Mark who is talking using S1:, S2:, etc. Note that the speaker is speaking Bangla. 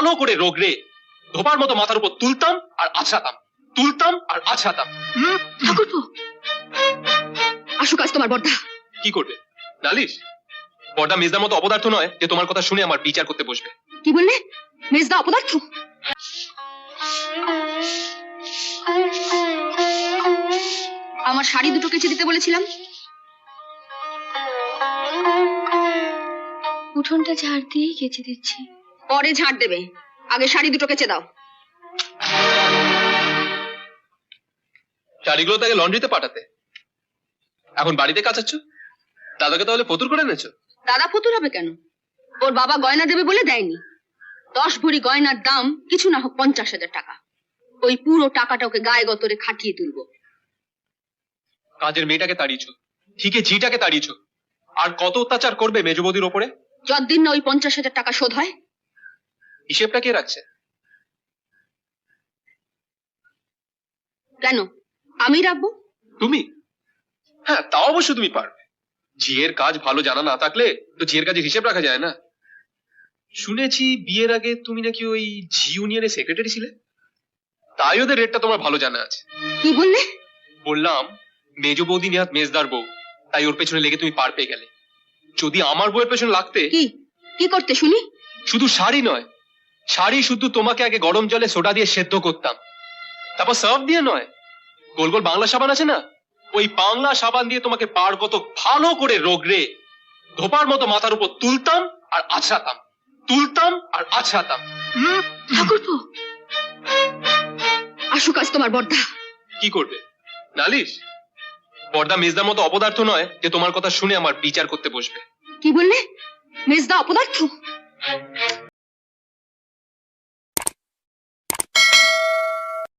S1: ভালো করে রোগড়ে ধোপার মতো মাথার উপর তুলতাম আর আছড়াতাম, তুলতাম আর আছড়াতাম।
S2: ঠাকুরপো, আসুক আজ তোমার বর্দা।
S1: কি করবে? নালিশ? বড়দা মেজদার মতো অপদার্থ নয় যে তোমার কথা শুনে আমার বিচার করতে বসবে।
S2: কি বললে? মেজদা অপদার্থ? আমার শাড়ি দুটো কেচে দিতে বলেছিলাম।
S3: উঠোনটা ঝাড় দিয়েই কেচে দিচ্ছি।
S2: পরে ঝাড় দেবে, আগে শাড়ি দুটো কেচে দাও।
S1: শাড়িগুলো তাকে লন্ড্রিতে পাঠাতে, এখন বাড়িতে কাচাচ্ছ। দাদাকে তাহলে ফতুর করে এনেছো?
S2: দাদা ফতুর হবে কেন? ওর বাবা গয়না দেবে বলে দেয়নি। 10 ভরি গয়নার দাম কিছু না হোক 50,000 টাকা। ওই পুরো টাকাটা ওকে গায়ে গতরে খাটিয়ে তুলবো।
S1: কাজের মেয়েটাকে তাড়িয়েছো, ঠিকই ঝিটাকে তাড়িয়েছো, আর কত অত্যাচার করবে মেজবৌদির ওপরে?
S2: যতদিন না ওই 50,000 টাকা শোধ হয়।
S1: হিসেবটা কে রাখছে?
S2: কেন আমি রাখবো?
S1: তুমি? হ্যাঁ, তা অবশ্য তুমি পারবে। ঝিয়ের কাজ ভালো জানা না থাকলে তো ঝিয়ের কাজের হিসেব রাখা যায় না। শুনেছি বিয়ের আগে তুমি নাকি ওই ঝি ইউনিয়নের সেক্রেটারি ছিলে, তাই ওদের রেটটা তোমার ভালো জানা আছে।
S2: কি বললে?
S1: বললাম মেজ বৌদি নেহাত মেজদার বউ, তাই ওর পেছনে লেগে তুমি পার পেয়ে গেলে। যদি আমার বউয়ের পেছনে লাগতে।
S2: কি কি করতে শুনি?
S1: শুধু শাড়ি নয়, শাড়ি শুধু তোমাকে আগে গরম জলে সোডা দিয়ে সেদ্ধ করতাম, তারপর সার্ফ দিয়ে নয়, গোল গোল বাংলা সাবান আছে না, ওই বাংলা সাবান দিয়ে তোমাকে পার কত ভালো করে রোগড়ে ধোপার মতো মাথার উপর তুলতাম আর আছড়াতাম, তুলতাম আর আছড়াতাম।
S2: ঠাকুরপো, আসুক আজ তোমার বর্দা।
S1: কি করবে? নালিশ? বড়দা মেজদার মতো অপদার্থ নয় যে তোমার কথা শুনে আমার বিচার করতে বসবে।
S2: কি বললে? মেজদা অপদার্থ?